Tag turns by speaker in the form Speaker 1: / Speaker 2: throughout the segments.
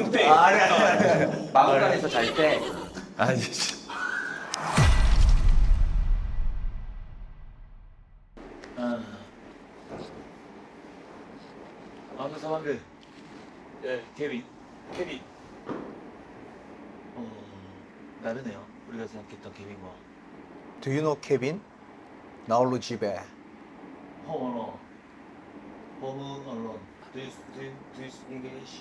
Speaker 1: 잠때.
Speaker 2: 아니. 마음간에서 잘 때.
Speaker 3: 아니. 아무튼 방금 케빈. 다르네요. 우리가 생각했던 케빈과.
Speaker 4: Do you know 케빈? 나홀로 집에.
Speaker 3: 홈 언론. Do you speak English?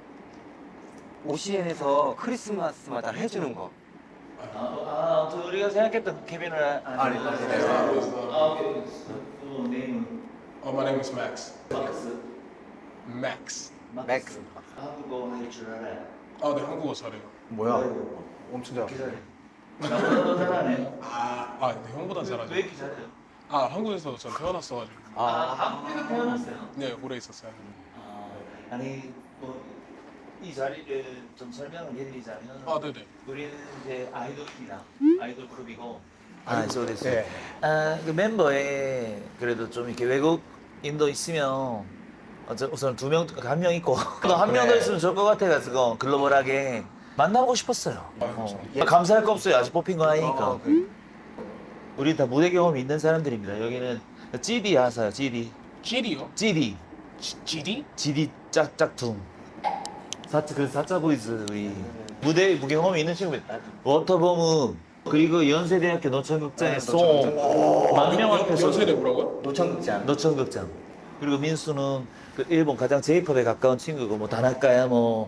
Speaker 2: OCN에서 크리스마스마다 해주는 거.
Speaker 3: 아무튼 우리가 생각했던 케빈은 아니에요. 오케이. 네임은
Speaker 1: My name is Max.
Speaker 3: 마크스.
Speaker 1: Max.
Speaker 2: 맥스.
Speaker 3: 한국어 할 줄 알아요.
Speaker 1: 네, 한국어 잘해요.
Speaker 4: 뭐야? 엄청 잘.
Speaker 3: 기사래. 나보다 더 잘하네.
Speaker 1: 네, 형보다 잘하죠.
Speaker 3: 왜 이렇게 잘해요?
Speaker 1: 한국에서 전 태어났어가지고.
Speaker 3: 한국에서 태어났어요.
Speaker 1: 네, 오래 있었어요.
Speaker 3: 아니 이 자리를 좀 설명을 해드리자면
Speaker 1: 네네.
Speaker 3: 우리는 이제 아이돌입니다. 아이돌 그룹이고そうです.
Speaker 4: 네.
Speaker 3: 그 멤버에 그래도 좀 이렇게 외국인도 있으면 우선 한 명 있고 또 한 명 더 있으면 좋을 것 같아가지고 글로벌하게 만나보고 싶었어요. 감사할 거 없어요. 아직 뽑힌 거 아니니까. 우리 다 무대 경험이 있는 사람들입니다. 여기는 GD 아세요? GD.
Speaker 1: GD요?
Speaker 3: GD.
Speaker 1: GD?
Speaker 3: GD 짝짝퉁. 사자 보이즈 우리 무대 경험이 있는 친구들. 워터보무 그리고 연세대학교 노천극장에 송. 만명 앞에서
Speaker 1: 연세대 뭐라고요?
Speaker 2: 노천극장.
Speaker 3: 노천극장. 그리고 민수는 그 일본 가장 J-팝에 가까운 친구고 뭐 다나카야 더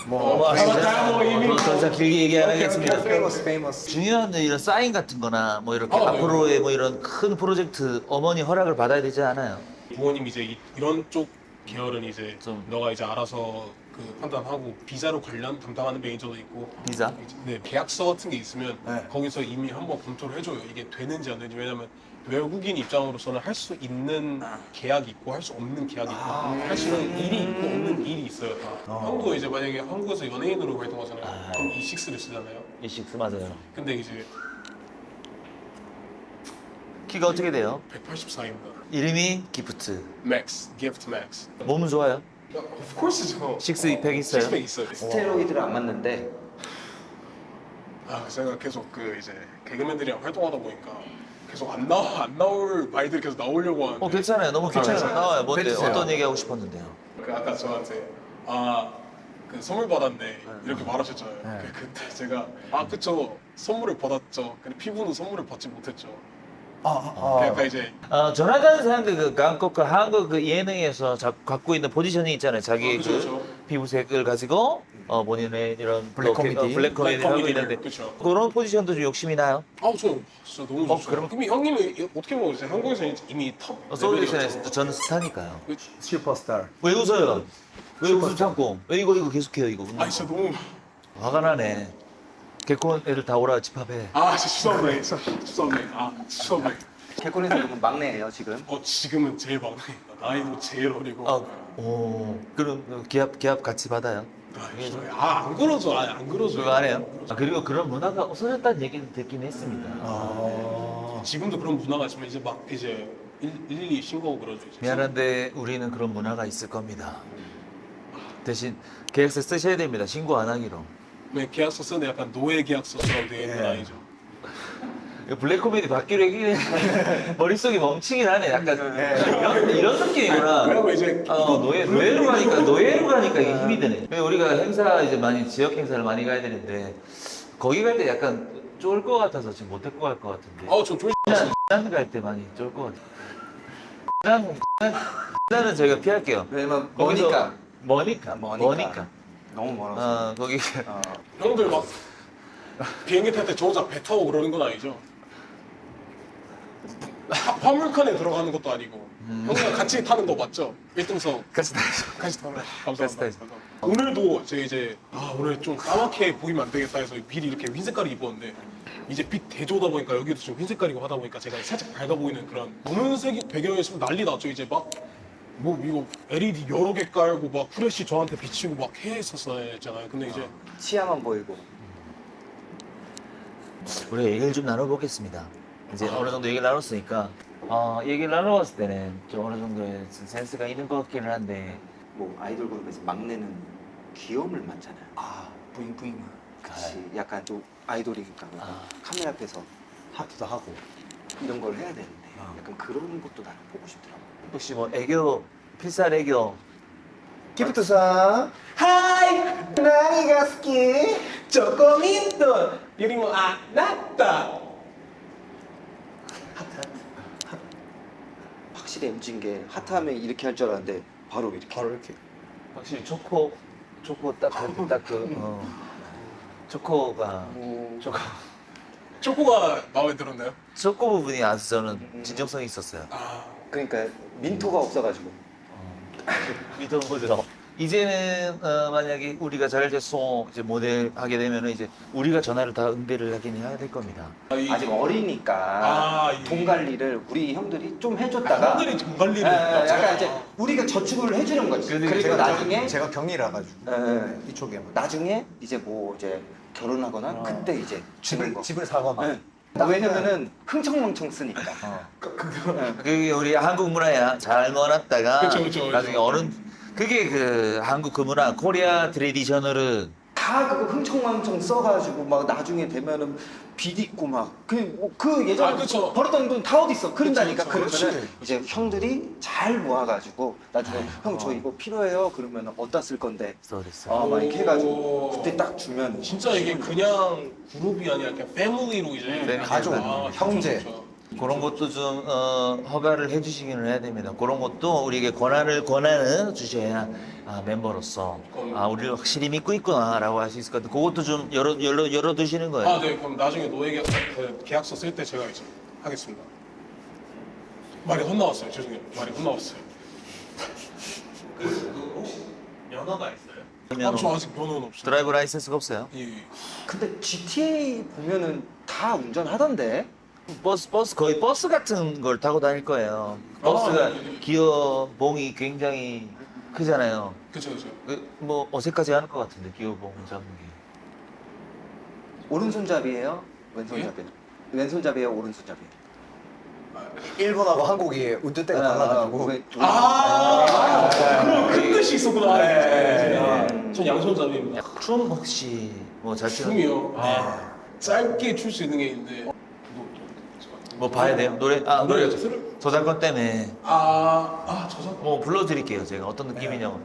Speaker 3: 이상 길게 얘기 안 하겠습니다.
Speaker 4: 페이머스.
Speaker 3: 중요한 이런 사인 같은 거나 뭐 이렇게
Speaker 1: 네.
Speaker 3: 앞으로의 뭐 이런 큰 프로젝트 어머니 허락을 받아야 되지 않아요?
Speaker 1: 부모님 이제 이런 쪽 계열은 이제
Speaker 3: 좀.
Speaker 1: 너가 이제 알아서 그 판단하고 비자로 관련 담당하는 매니저도 있고
Speaker 3: 비자?
Speaker 1: 네, 계약서 같은 게 있으면
Speaker 4: 네.
Speaker 1: 거기서 이미 한번 검토를 해줘요. 이게 되는지 안 되는지. 왜냐면 외국인 입장으로서는 할 수 있는 계약이 있고 할 수 없는 계약이 있고 할 수 있는 일이 있고 없는 일이 있어요. 다. 형도 이제 만약에 한국에서 연예인으로 활동하잖아요. 그럼 E6를 쓰잖아요.
Speaker 3: 이식스 맞아요.
Speaker 1: 근데 이제
Speaker 3: 키가 어떻게 돼요?
Speaker 1: 184입니다.
Speaker 3: 이름이 기프트.
Speaker 1: 맥스, 기프트 맥스.
Speaker 3: 몸은 좋아요?
Speaker 1: Of course죠.
Speaker 3: 식스팩 있어요?
Speaker 1: 식스팩 있어요.
Speaker 2: 스테로이드를 안 맞는데.
Speaker 1: 제가 계속 그 이제 개그맨들이랑 활동하다 보니까 계속 안 나올 말들이 계속 나오려고 하는데
Speaker 3: 괜찮아요. 너무 괜찮아요. 나와요. 뭔데?
Speaker 4: 뱉으세요.
Speaker 3: 어떤 얘기 하고 싶었는데요?
Speaker 1: 그 아까 저한테 그 선물 받았네 이렇게 말하셨잖아요.
Speaker 4: 네.
Speaker 1: 그때 제가 그쵸 선물을 받았죠. 근데 피부는 선물을 받지 못했죠. 그러니까 이제
Speaker 3: 조나단 상그 그 한국 그 한국 그 예능에서 갖고 있는 포지션이 있잖아요. 자기
Speaker 1: 그쵸, 그쵸.
Speaker 3: 피부색을 가지고 본인의 이런
Speaker 4: 블랙 코미디.
Speaker 3: 블랙 코미디를 하고 있는데
Speaker 1: 그쵸.
Speaker 3: 그런 포지션도 좀 욕심이 나요?
Speaker 1: 저 진짜 너무 좋죠.
Speaker 3: 그럼-
Speaker 1: 이미 형님이 어떻게 보면 이제 한국에서 이미 탑
Speaker 3: 소울리션에서 저는 스타니까요.
Speaker 4: 슈퍼스타.
Speaker 3: 왜 웃어요? 왜 웃음 참고? 왜 이거 계속해요 이거?
Speaker 1: 진짜 너무
Speaker 3: 화가 나네. 개콘 애들 다 오라 집합해.
Speaker 1: 진짜 죄송합니다. 죄송합니다.
Speaker 2: 개콘에서 그러면 막내예요 지금.
Speaker 1: 지금은 제일 막내입니다. 나이도 제일 어리고.
Speaker 3: 그럼 기합 같이 받아요?
Speaker 1: 안 그러죠. 안 그러죠.
Speaker 3: 그거 안 해요? 그리고 그런 문화가 없어졌다는 얘기는 듣긴 했습니다.
Speaker 1: 지금도 그런 문화가 있지만 이제 막 이제 112 신고하고 그러죠. 이제.
Speaker 3: 미안한데 우리는 그런 문화가 있을 겁니다. 대신 계약서 쓰셔야 됩니다. 신고 안 하기로.
Speaker 1: 왜 계약서 쓰는데 약간 노예 계약서처럼 되어 있는 아니죠.
Speaker 3: 블랙 코미디 받기로 했긴 머릿속이 멈추긴 하네. 약간 이런 느낌이구나.
Speaker 1: 왜냐면 이제
Speaker 3: 노예로 가니까 이게 힘이 드네. 왜 우리가 행사 이제 많이 지역 행사를 많이 가야 되는데 거기 갈 때 약간 쫄 것 같아서 지금 못 데리고 갈 것 같은데.
Speaker 1: 저 쫄.
Speaker 3: 난 갈 때 많이 쫄 것 같아. 나는 저희가 피할게요.
Speaker 2: 왜냐면
Speaker 3: 거기서-
Speaker 2: 머니까.
Speaker 3: 머니까.
Speaker 2: 너무 멀어서.
Speaker 3: 거기
Speaker 1: 형들 막 비행기 탈 때 저 혼자 배 타고 그러는 건 아니죠? 화물칸에 들어가는 것도 아니고 형이랑 같이 타는 거 맞죠? 1등석
Speaker 3: 같이 다니죠.
Speaker 1: 같이 타는 거
Speaker 3: 같이 타야죠.
Speaker 1: 감사합니다. 오늘도 이제 오늘 좀 까맣게 보이면 안 되겠다 해서 미리 이렇게 흰 색깔을 입었는데 이제 빛 대조다 보니까 여기도 좀 흰 색깔이고 하다 보니까 제가 살짝 밝아 보이는 그런 검은색 배경이었으면 난리 났죠. 이제 막 뭐 이거 LED 여러 개 깔고 막 후레쉬 저한테 비치고 막 했었잖아요. 근데 이제
Speaker 2: 치아만 보이고.
Speaker 3: 우리가 얘기를 좀 나눠보겠습니다. 이제 어느 정도 얘기를 나눴으니까 얘기를 나눠봤을 때는 좀 어느 정도의 센스가 있는 것 같기는 한데
Speaker 2: 뭐 아이돌 그룹에서 막내는 귀여움을 많잖아요.
Speaker 4: 아, 뿌잉뿌잉.
Speaker 2: 그치. 약간 좀 아이돌이니까
Speaker 3: 아.
Speaker 2: 카메라 앞에서
Speaker 4: 하트도 하고.
Speaker 2: 이런 걸 해야 되는데
Speaker 4: 아.
Speaker 2: 약간 그런 것도 나는 보고 싶더라고.
Speaker 3: 혹시 뭐 애교, 필살 애교.
Speaker 4: 기프트상.
Speaker 1: 하이
Speaker 4: 나이가 스키.
Speaker 1: 조금이도 이리모 아 났다.
Speaker 2: 확실히 MG인 게 하트하면 이렇게 할 줄 알았는데 바로 이렇게.
Speaker 4: 바로 이렇게.
Speaker 3: 확실히 초코 초코가
Speaker 1: 초코가 마음에 들었나요?
Speaker 3: 초코 부분이 아주 저는 진정성이 있었어요.
Speaker 1: 아
Speaker 2: 그러니까 민토가 없어가지고.
Speaker 3: 믿어 보죠. 이제는 만약에 우리가 잘 돼서 이제 모델 하게 되면은 이제 우리가 전화를 다 응대를 하긴 해야 될 겁니다.
Speaker 2: 아직 어리니까
Speaker 1: 아, 예.
Speaker 2: 돈 관리를 우리 형들이 좀 해줬다가
Speaker 1: 형들이 돈 관리를
Speaker 2: 약간 이제 우리가 저축을 해주는 거지. 그리고 나중에
Speaker 4: 제가 경리라 가지고
Speaker 2: 예,
Speaker 4: 이쪽에
Speaker 2: 나중에 이제 뭐 이제 결혼하거나 그때 이제 주는 거.
Speaker 4: 집을 사거나.
Speaker 2: 예. 왜냐면은 흥청망청 쓰니까.
Speaker 3: 그게 우리 한국 문화야. 잘 넣어놨다가
Speaker 1: 그쵸, 그쵸, 그쵸.
Speaker 3: 나중에 어느 그게 그 한국 그 문화 코리아 트레디셔널은
Speaker 2: 다 그거 흥청망청 써가지고 막 나중에 되면은 빚 있고 그 예전에
Speaker 1: 아, 그쵸.
Speaker 2: 벌었던 돈 다 어디 있어? 그런다니까.
Speaker 1: 그쵸, 그쵸.
Speaker 2: 그러면은 이제 형들이 잘 모아가지고 나중에 형 저 이거 필요해요. 그러면 어디다 쓸 건데?
Speaker 3: 써됐어.
Speaker 2: 막 이렇게 해가지고 그때 딱 주면
Speaker 1: 진짜 이게 그냥 그룹이 아니라 그냥 패밀리로 이제
Speaker 3: 패밀리.
Speaker 4: 가족, 형제.
Speaker 1: 그쵸, 그쵸.
Speaker 3: 그런 것도 좀 허가를 해주시기는 해야 됩니다. 그런 것도 우리에게 권한을 주셔야 멤버로서 우리를 확실히 믿고 있구나라고 할 수 있을 것 같아요. 그것도 좀 열어두시는 거예요.
Speaker 1: 아, 네. 그럼 나중에 노예 계약서 쓸 때 제가 이제 하겠습니다. 말이 헛나왔어요. 죄송해요. 말이 헛나왔어요.
Speaker 3: 혹시 면허가 있어요?
Speaker 1: 아, 저 아직 면허는 없어요.
Speaker 3: 드라이브 라이센스가 없어요?
Speaker 1: 예, 예.
Speaker 2: 근데 GTA 보면은 다 운전하던데.
Speaker 3: 버스 거의 버스 같은 걸 타고 다닐 거예요. 버스가
Speaker 1: 네.
Speaker 3: 기어봉이 굉장히 크잖아요.
Speaker 1: 그쵸, 그쵸.
Speaker 3: 뭐 어색하지 않을 것 같은데 기어봉 잡는 게.
Speaker 2: 오른손잡이에요? 왼손잡이에요? 왼손잡이에요? 오른손잡이에요?
Speaker 4: 일본하고 한국이 운전대가 달라가지고.
Speaker 1: 그런 큰 뜻이 있었구나.
Speaker 4: 네.
Speaker 1: 전 양손잡이입니다.
Speaker 3: 춤 혹시 뭐 잘 추는?
Speaker 1: 춤이요? 아, 짧게 출 수 있는 게 있는데.
Speaker 3: 뭐 봐야 돼요? 노래 노래 저작권 때문에
Speaker 1: 저작.
Speaker 3: 뭐 불러드릴게요. 제가 어떤 느낌이냐고.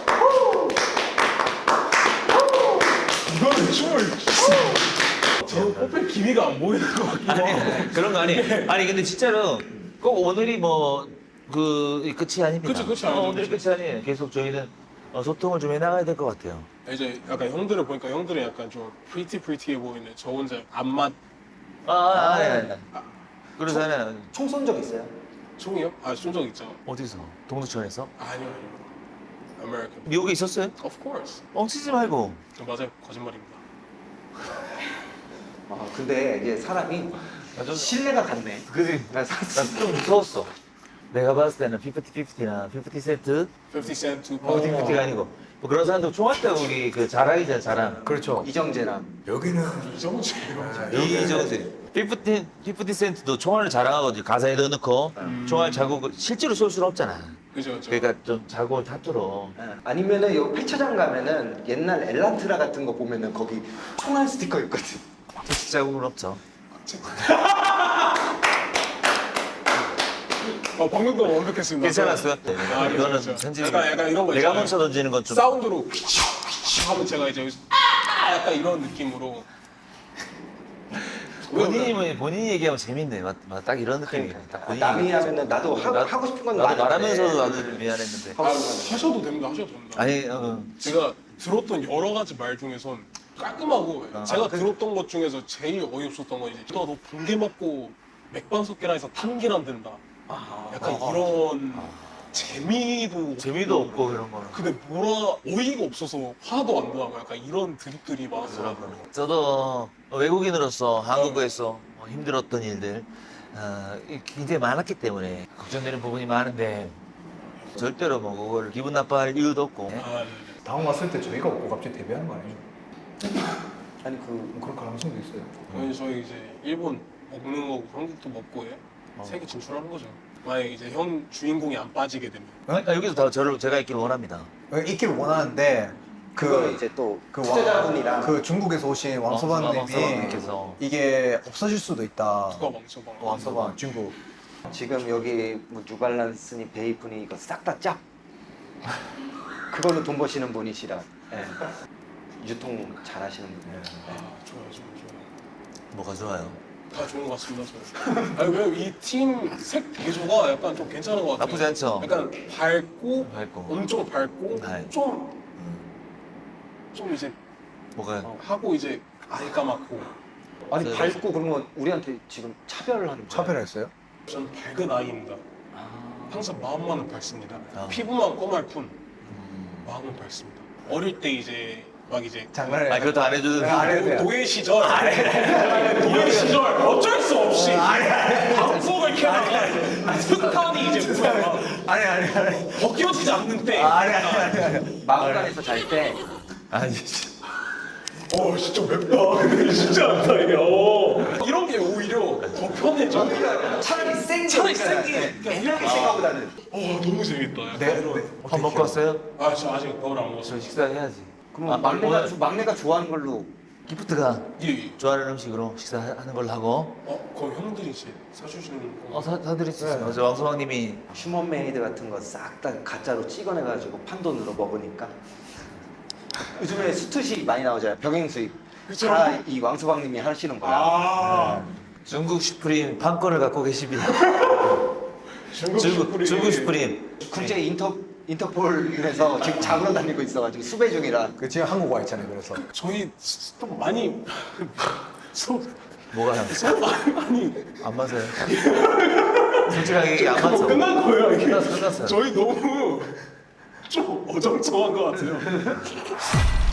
Speaker 1: 이거는 춤을. 저 뽑힐 기미가 안 보이는 것 같기도 하고.
Speaker 3: 아니 그런 거 아니에요. 아니 근데 진짜로 꼭 오늘이 뭐 그 끝이 아닙니다.
Speaker 1: 그쵸, 끝이 아니죠,
Speaker 3: 오늘이
Speaker 1: 그쵸.
Speaker 3: 끝이 아니에요. 계속 저희는 소통을 좀 해나가야 될 것 같아요.
Speaker 1: 이제 약간 형들을 보니까 형들은 약간 좀 프리티해 보이는데 저 혼자 안맞
Speaker 3: 네. 그러잖아요.
Speaker 2: 총 쏜 적 있어요?
Speaker 1: 총이요? 쏜적 있죠.
Speaker 3: 어디서? 동두천에서?
Speaker 1: 아니요. American.
Speaker 3: 미국에 있었어요?
Speaker 1: Of course.
Speaker 3: 뻥치지 말고.
Speaker 1: 맞아요. 거짓말입니다.
Speaker 2: 근데 이게 사람이 신뢰가 갔네.
Speaker 3: 그지?
Speaker 2: 나
Speaker 3: 좀 무서웠어. 내가 봤을 때는 50-50나 50센트?
Speaker 1: 50 cent, 2
Speaker 3: 50-50가 아니고 뭐 그런 사람들 총할 때 우리 그 자랑이잖아 자랑.
Speaker 4: 그렇죠.
Speaker 2: 이정재랑
Speaker 4: 여기는
Speaker 1: 이정재.
Speaker 3: 이정재. 50센트도 총알을 자랑하거든요. 가사에 넣어놓고 총알 자국을 실제로 쏠 수는 없잖아.
Speaker 1: 그죠.
Speaker 3: 그러니까 좀 자국을 타투로.
Speaker 2: 아니면은 요 폐차장 가면은 옛날 엘란트라 같은 거 보면은 거기 총알 스티커 있거든.
Speaker 3: 투식 자국은 없죠.
Speaker 1: 방금도 완벽했습니다.
Speaker 3: 괜찮았어요?
Speaker 1: 네.
Speaker 3: 이거는
Speaker 1: 그렇죠.
Speaker 3: 편집이
Speaker 1: 약간 이런 거
Speaker 3: 내가
Speaker 1: 있잖아요.
Speaker 3: 먼저 던지는 건 좀.
Speaker 1: 사운드로 휘치휘치 하면 제가 이제 여기서 약간 이런 느낌으로.
Speaker 3: 본인이 얘기하면 재밌네. 딱 이런 느낌이야. 딱 본인이
Speaker 2: 남이
Speaker 3: 얘기하면.
Speaker 2: 하면은 나도 하고 싶은 건
Speaker 3: 나도
Speaker 2: 많은데.
Speaker 3: 말하면서도 나는 미안했는데.
Speaker 1: 하셔도 됩니다. 하셔도 됩니다.
Speaker 3: 아니
Speaker 1: 제가 들었던 여러 가지 말 중에선 깔끔하고 제가 들었던 것 중에서 제일 어이없었던 건 이제 너 붕괴 맞고 맥반석계란에서 타는 길 안 된다. 약간 이런 재미도
Speaker 3: 없고 그런 거는.
Speaker 1: 근데 뭐라 어이가 없어서 화도 안 나고 약간 이런 드립들이 많았더라고요.
Speaker 3: 저도 외국인으로서 한국에서 힘들었던 일들 굉장히 많았기 때문에 걱정되는 부분이 많은데 절대로 뭐 그걸 기분 나빠할 이유도 없고.
Speaker 4: 다음 왔을 때 저희가 없고 갑자기 데뷔하는 거 아니죠?
Speaker 2: 아니
Speaker 4: 그런 가능성도 있어요.
Speaker 1: 아니 저희 이제 일본 먹는 거고 한국도 먹고 해 세계 진출하는 거죠. 만약에 이제 형 주인공이 안 빠지게 되면
Speaker 3: 여기서 다 제가 있기를 원합니다.
Speaker 4: 있기를 원하는데
Speaker 2: 그거는 이제 또
Speaker 4: 그
Speaker 2: 투자자분이랑
Speaker 4: 그 중국에서 오신 왕서방님이
Speaker 3: 왕서방님께서.
Speaker 4: 이게 없어질 수도 있다.
Speaker 1: 누가 왕서방?
Speaker 4: 왕서방 중국.
Speaker 2: 지금 여기 뭐 뉴발란스니 베이프니 이거 싹 다 짭. 그걸로 돈 버시는 분이시라. 예. 유통 잘하시는 분이에요.
Speaker 1: 아, 좋아요.
Speaker 3: 뭐가 좋아요?
Speaker 1: 다 좋은 것 같습니다. 저는. 아니 왜냐면 이 팀 색 대조가 약간 좀 괜찮은 것 같아요.
Speaker 3: 나쁘지 않죠?
Speaker 1: 약간 밝고,
Speaker 3: 밝고.
Speaker 1: 엄청 밝고,
Speaker 3: 네.
Speaker 1: 좀 이제
Speaker 3: 뭐가
Speaker 1: 하고 이제 아예 까맣고.
Speaker 2: 아니
Speaker 3: 네.
Speaker 2: 밝고 그러면 우리한테 지금 차별을 하는 거예요.
Speaker 4: 차별했어요?
Speaker 1: 저는 밝은 아이입니다. 항상 마음만은 밝습니다.
Speaker 3: 아.
Speaker 1: 피부만 꼬말 뿐 마음은 밝습니다. 어릴 때 이제 막 이제
Speaker 4: 장난해.
Speaker 3: 아 그것도 안 해주는.
Speaker 4: 안 해도 돼요.
Speaker 1: 노예 시절 노예 시절 어쩔 수 없이 방송을 켜다가 스탄이 이제 뭐야
Speaker 4: 아니.
Speaker 1: 벗겨지지 않는 때
Speaker 2: 마음간에서 잘 때
Speaker 3: 아니 진짜.
Speaker 1: 진짜 맵다. 근데 쉽지 않다 이게. 이런 게 오히려 더 편해져.
Speaker 2: 차라리 센
Speaker 1: 차라리 센 게.
Speaker 2: 애매하게 생각보다는
Speaker 1: 너무 재밌다. 약간
Speaker 4: 네.
Speaker 1: 이런.
Speaker 3: 밥 먹고 왔어요?
Speaker 1: 저 아직 밥을 안 먹었어요.
Speaker 3: 저 식사해야지.
Speaker 2: 그럼 막내가 좋아하는 걸로
Speaker 3: 기프트가
Speaker 1: 예.
Speaker 3: 좋아하는 음식으로 식사하는 걸로 하고.
Speaker 1: 그럼 형들이 이제 사주시는 거.
Speaker 3: 사드릴 수 있어요. 어제 왕서방님이
Speaker 2: 휴먼 메이드 같은 거 싹 다 가짜로 찍어내가지고 판돈으로 먹으니까 요즘에 수트식 많이 나오잖아요. 병행 수입
Speaker 1: 그쵸.
Speaker 2: 다 이 왕소방님이 하시는 거야.
Speaker 3: 중국 슈프림 판권을 갖고 계십니다. 중국 슈프림.
Speaker 2: 국제 인터폴에서 지금 잡으러 다니고 있어가지고 수배 중이라.
Speaker 4: 그 지금 한국 와 있잖아요. 그래서
Speaker 1: 저희 좀 많이
Speaker 3: 뭐가
Speaker 1: 서로 많이
Speaker 3: 안 맞아요? 솔직하게 얘기 안
Speaker 1: 그거
Speaker 3: 맞죠?
Speaker 1: 끝난 거예요 이게.
Speaker 3: 끝났어요.
Speaker 1: 저희 너무 좀 어정쩡한 것 같아요.